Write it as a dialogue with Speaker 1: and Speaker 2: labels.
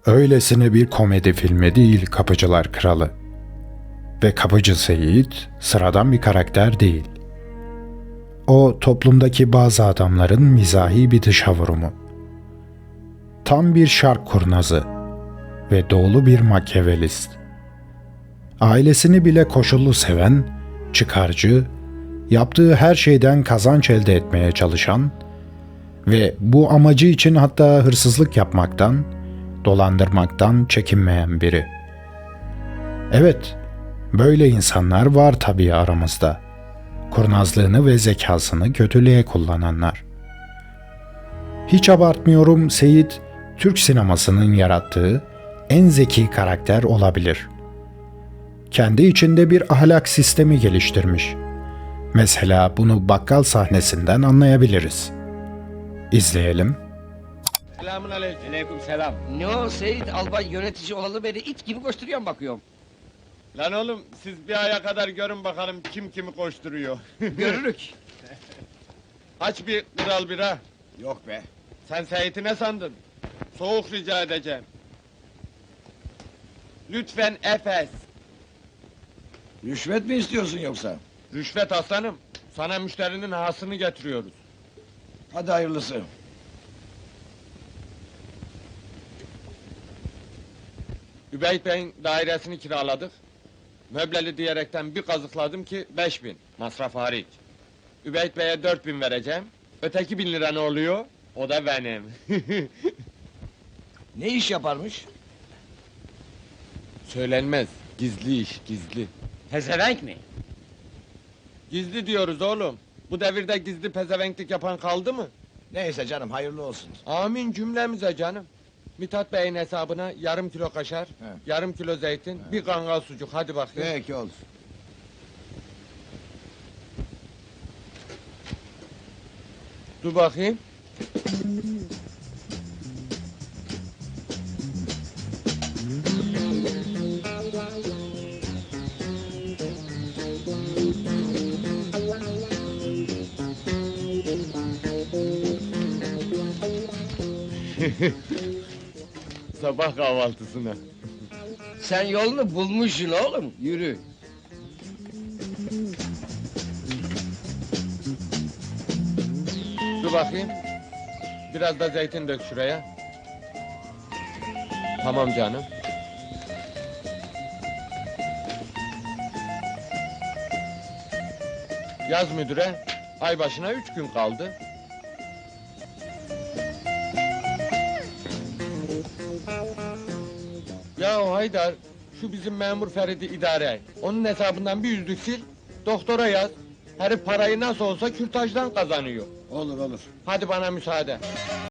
Speaker 1: Öylesine bir komedi filmi değil Kapıcılar Kralı. Ve Kapıcı Seyit sıradan bir karakter değil. O toplumdaki bazı adamların mizahi bir dışa vurumu. Tam bir şark kurnazı ve doğulu bir makyavelist. Ailesini bile koşullu seven, çıkarcı, yaptığı her şeyden kazanç elde etmeye çalışan ve bu amacı için hatta hırsızlık yapmaktan, dolandırmaktan çekinmeyen biri. Evet, böyle insanlar var tabii aramızda. Kurnazlığını ve zekasını kötülüğe kullananlar. Hiç abartmıyorum, Seyit, Türk sinemasının yarattığı en zeki karakter olabilir. Kendi içinde bir ahlak sistemi geliştirmiş. Mesela bunu bakkal sahnesinden anlayabiliriz. İzleyelim.
Speaker 2: Selamun aleyküm.
Speaker 3: Aleyküm selam. Ne o Seyit, albay yönetici olalı beri it gibi koşturuyorum bakıyorum.
Speaker 2: Lan oğlum siz bir aya kadar görün bakalım kim kimi koşturuyor.
Speaker 3: Görürük.
Speaker 2: Aç bir kral bira.
Speaker 3: Yok be.
Speaker 2: Sen Seyit'i ne sandın? Soğuk rica edeceğim. Lütfen Efes.
Speaker 3: Rüşvet mi istiyorsun yoksa?
Speaker 2: Rüşvet aslanım. Sana müşterinin hasını getiriyoruz.
Speaker 3: Hadi hayırlısı.
Speaker 2: Übeyt Bey'in dairesini kiraladık. Möbleli diyerekten bir kazıkladım ki 5.000. Masraf hariç. Übeyt Bey'e 4.000 vereceğim. Öteki 1.000 lira ne oluyor? O da benim.
Speaker 3: Ne iş yaparmış?
Speaker 2: Söylenmez. Gizli iş, gizli.
Speaker 3: Pezevenk mi?
Speaker 2: Gizli diyoruz oğlum. Bu devirde gizli pezevenklik yapan kaldı mı?
Speaker 3: Neyse canım, hayırlı olsun.
Speaker 2: Amin cümlemize canım. Mithat Bey'in hesabına yarım kilo kaşar, yarım kilo zeytin, bir kangal sucuk. Hadi bakayım.
Speaker 3: Peki olur.
Speaker 2: Dur bakayım. Sabah kahvaltısına.
Speaker 3: Sen yolunu bulmuşsun oğlum, yürü.
Speaker 2: Dur bakayım. Biraz da zeytin dök şuraya. Tamam canım. Yaz müdüre. Ay başına 3 gün kaldı. Ya Haydar, şu bizim memur Ferit'i idare et. Onun hesabından bir yüzlük sil, doktora yaz. Herif parayı nasıl olsa kürtajdan kazanıyor.
Speaker 3: Olur olur.
Speaker 2: Hadi bana müsaade.